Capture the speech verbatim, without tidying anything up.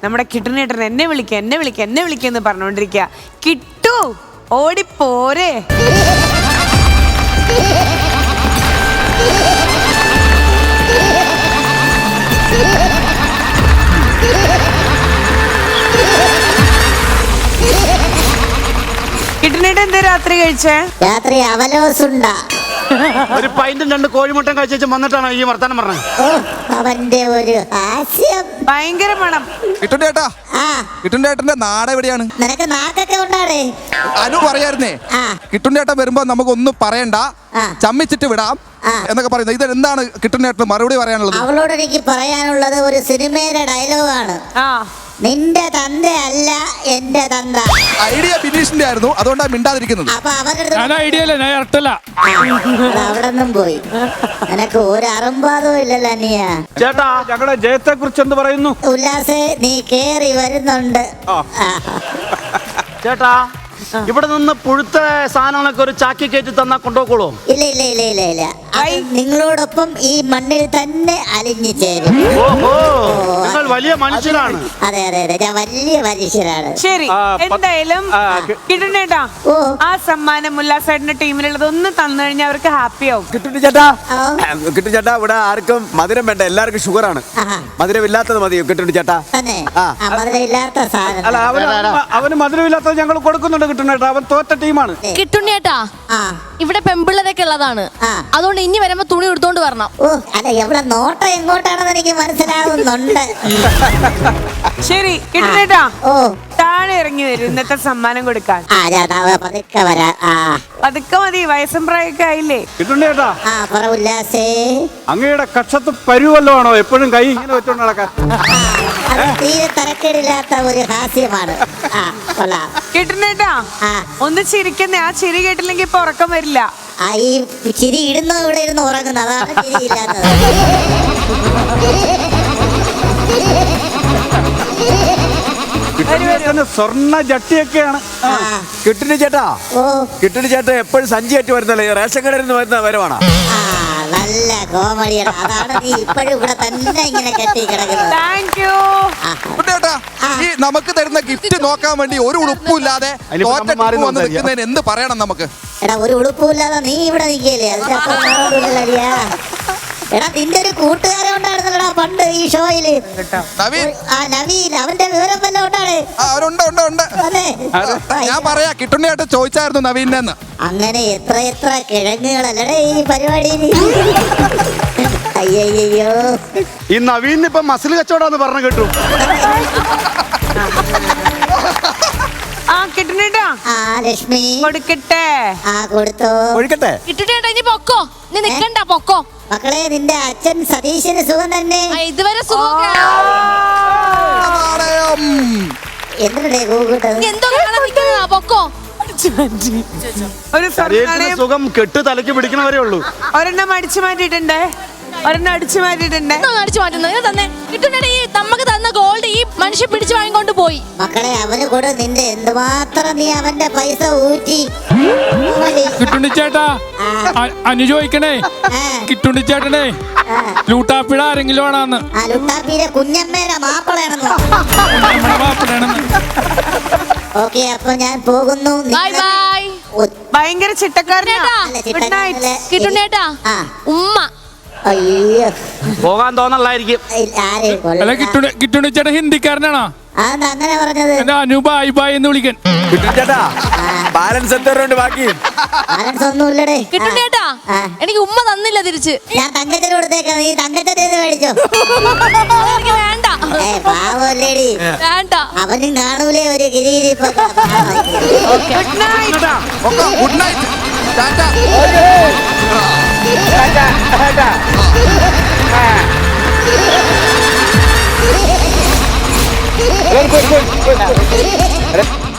നമ്മുടെ കിട്ടുന്നേട്ടൻ എന്നെ വിളിക്ക എന്നെ വിളിക്ക എന്നെ വിളിക്കെന്ന് പറഞ്ഞോണ്ടിരിക്കുക. കിട്ടു ഓടിപ്പോരെ. കിട്ടുന്നേട്ടൻ എന്താ രാത്രി കഴിച്ചേ? രാത്രി അവലോസുണ്ട ഒരു പൈന്റും രണ്ട് കോഴിമുട്ടയും കഴിച്ചു വന്നിട്ടാണ് ഈ വർത്താനം പറഞ്ഞത്. അവന്റെ ഒരു ഹാസ്യം ഭയങ്കര മണം. കിട്ടുണ്ടേട്ടാ കിട്ടുണ്ടേട്ടന്റെ നാട് എവിടെയാണ്? നിനക്ക് നാക്കൊക്കെ ഉണ്ടാടേ. അനു പറയായിരുന്നേ കിട്ടുണ്ടേട്ടൻ വരുമ്പോ നമുക്ക് ഒന്നും പറയണ്ട, ചമ്മിച്ചിട്ട് വിടാം എന്നൊക്കെ പറയുന്നത്. ഇത് എന്താണ് കിട്ടുണ്ടേട്ടന് മറുപടി പറയാനുള്ളത്? അവളോട് എനിക്ക് പറയാനുള്ളത് ഒരു സിനിമയുടെ ഡയലോഗാണ്. നിന്റെ തന്ത അല്ല എന്റെ തന്ത. ഐഡിയ ബിനീഷിന്റെ ആയിരുന്നു, അതുകൊണ്ടാണ് മിണ്ടാതിരിക്കുന്നത്. അപ്പൊ അവരുടെ അവിടെ നിന്നും പോയി. നിനക്ക് ഒരു അറുമ്പാതവും ഇല്ലല്ലോ നീയ. ചേട്ടാ ഞങ്ങളുടെ ജയത്തെ കുറിച്ച് എന്ത് പറയുന്നു? ഉല്ലാസേ നീ കേറി വരുന്നുണ്ട്. ചേട്ടാ ഇവിടെ നിന്ന് പുഴുത്ത സാധനങ്ങളൊക്കെ ഒരു ചാക്കി കയറ്റി തന്നാ കൊണ്ടുപോക്കോളൂ? ഇല്ല ഇല്ല ഇല്ല ഇല്ല ഇല്ല നിങ്ങളോടൊപ്പം ഈ മണ്ണിൽ തന്നെ അലിഞ്ഞു ചേരും. നിങ്ങൾ വലിയ മനുഷ്യരാണ്. അതെ അതെ അതെ ഞാൻ വലിയ മനുഷ്യരാണ്. ശരി, എന്തായാലും കിട്ടുന്നേട്ടാ ആ സമ്മാനം ഉല്ലാസേട്ടന്റെ ടീമിലുള്ളത് ഒന്ന് തന്നു കഴിഞ്ഞാൽ അവർക്ക് ഹാപ്പി ആവും. കിട്ടുന്നു ചേട്ടാ കിട്ടും ചേട്ടാ. ഇവിടെ ആർക്കും മധുരം വേണ്ട, എല്ലാവർക്കും ഷുഗറാണ്. മധുരം ഇല്ലാത്തത് മതിയോ കിട്ടുന്നു ചേട്ടാ? മധുരം ഇല്ലാത്ത സാധനം. അല്ല അവന് മധുരം ഇല്ലാത്തത് ഞങ്ങൾ കൊടുക്കുന്നുണ്ട്. കിട്ടുന്നേട്ടാ അവൻ തോറ്റ ടീമാണ്. കിട്ടുന്നേട്ടാ ഇവിടെ പെമ്പിള്ളരൊക്കെ ഉള്ളതാണ്, അതുകൊണ്ട് ഇനി വരുമ്പോ തുണി എടുത്തോണ്ട് വരണം. ഓ അല്ല എവിടെ നോട്ടം എങ്ങോട്ടാണെന്ന് എനിക്ക് മനസ്സിലാവുന്നുണ്ട്. ശരി കിട്ടുന്നേട്ടാ ഓ താഴെ ഇറങ്ങി വരും ഇന്നത്തെ സമ്മാനം കൊടുക്കാൻ. പതുക്കെ വരാ. പതുക്കെ മതി, വയസ്സും പ്രായമൊക്കെ ആയില്ലേ. കിട്ടുന്നേട്ടാ ഉല്ലാസേ അങ്ങയുടെ കക്ഷത്ത് പരുവല്ലോ ആണോ എപ്പോഴും കൈ ഇങ്ങനെ വെച്ചോണ്ട് നടക്കാൻ? തീരെ തരക്കേടില്ലാത്ത ഒരു ഹാസ്യമാണ്. കിട്ടുന്നേട്ടാ ഒന്ന് ചിരിക്കുന്നേ, ആ ചിരി കേട്ടില്ലെങ്കിൽ ഇപ്പൊ ഉറക്കം വരില്ല. ആ ഈ ചിരി ഇടുന്ന ഇവിടെ ഇരുന്ന് ഉറങ്ങുന്നത്, അതാണ് ചിരി ഇല്ലാത്തത്. സ്വർണ്ണ ജട്ടിയൊക്കെയാണ്. കിട്ടുന്നു ചേട്ടാ കിട്ടുന്നു ചേട്ടാ എപ്പോഴും സഞ്ചിയായിട്ട് വരുന്നല്ലേ, റേഷൻ കടയിൽ നിന്ന് വരുന്ന വരവാണ്. നല്ല കോമഡിയാണ്. അതാണ് നീ ഇപ്പോഴും ഇവിടെ തന്നെ ഇങ്ങനെ കെട്ടി കിടക്കുന്നത്. ഈ നമുക്ക് തരുന്ന ഗിഫ്റ്റ് നോക്കാൻ വേണ്ടി ഒരു ഉടുപ്പില്ലാതെ വന്ന് നിൽക്കുന്നതിന് എന്ത് പറയണം നമുക്ക്? എടാ ഒരു ഉടുപ്പില്ലാതെ നീ ഇവിടെ നിൽക്കല്ലേ, അതിന്റെ അപ്പുറം. എടാ നിന്റെ ഒരു കൂട്ടുകാരൻ ഉണ്ടായിരുന്നല്ലോടാ പണ്ട് ഈ ഷോയില്, ആ നവീൻ. അവന്റെ വിവരം വല്ലതും ഉണ്ടാണ്? ഞാൻ പറയാ കിട്ടുന്നേട്ട് ചോദിച്ചായിരുന്നു നവീനെന്ന്. അങ്ങനെ എത്ര എത്ര കിഴങ്ങുകളല്ലേ ഈ പരിപാടിയിൽ. അയ്യോ ഈ നവീൻ ഇപ്പൊ മസിൽ കച്ചവടാന്ന് പറഞ്ഞു കേട്ടു. ആ കിട്ടുന്നേട്ടാ ആ ലക്ഷ്മി കൊടുക്കട്ടെ. ആ കൊടുത്തോ ഒഴിക്കട്ടെ. കിട്ടുന്നേട്ടാ ഇനി പൊക്കോ, നീ നിക്കണ്ട പൊക്കോ. മക്കളെ നിന്റെ അച്ഛൻ സതീശന് സുഖം തന്നെ? ഇതുവരെ സുഖം. എന്തിനേ കൂട്ടത്? എന്തോ പൊക്കോ. ഒരു സുഖം കെട്ട് തലക്ക് പിടിക്കണവരേ ഉള്ളൂ. ഒരെണ്ണം അടിച്ചു മാറ്റിയിട്ടുണ്ടേ, ഒരെണ്ണം അടിച്ചു മാറ്റിയിട്ടുണ്ടേ. അടിച്ചു മാറ്റുന്നത് തന്നെ കിട്ടുന്നേട്ടാ. ഈ നമുക്ക് തന്ന ഗോൾഡ് ഈ മനുഷ്യൻ പിടിച്ചു വാങ്ങിക്കൊണ്ട് പോയി. മക്കളെ അവന് കൂടെ നിന്റെ എന്തുമാത്രം നീ അവന്റെ പൈസ ഊറ്റി. കിട്ടുണ്ണിച്ചേട്ടാ അനു ചോദിക്കണേ, കിട്ടുണ്ണിച്ചേട്ടനെ ലൂട്ടാപ്പിഴ ആരെങ്കിലും ആണെന്ന്. ആ ലൂട്ടാപ്പിയുടെ കുഞ്ഞമ്മേടെ മാപ്പിളയാണെന്ന്. ഓക്കെ അപ്പൊ ഞാൻ പോകുന്നു. ഭയങ്കര ചിട്ടക്കാരനാ കിട്ടുന്നേട്ടാ. ഉമ്മ അയ്യോ പോകാൻ തോന്നലായിരിക്കും. അല്ല കിട്ടുണ്ണിച്ചേട്ടൻ ഹിന്ദിക്കാരനാണോ? അങ്ങനെ പറഞ്ഞത്? എന്റെ അനു ബായ് ബായ് എന്ന് വിളിക്കാൻ. ചേട്ടാ ബാലൻസ് എത്ര ബാക്കി? ബാലൻസ് ഒന്നുമില്ലടേ. കിട്ടുന്നേട്ടാ എനിക്ക് ഉമ്മ തന്നില്ല തിരിച്ച്. ഞാൻ തങ്കത്തിന് കൊടുത്തേക്കാം, നീ തങ്കത്തെ മേടിച്ചോ. എനിക്ക് വേണ്ട. പാവല്ലേടി, വേണ്ട. അവനും കാണൂലേ ഒരു ഗിരി. Good night. ടാറ്റ.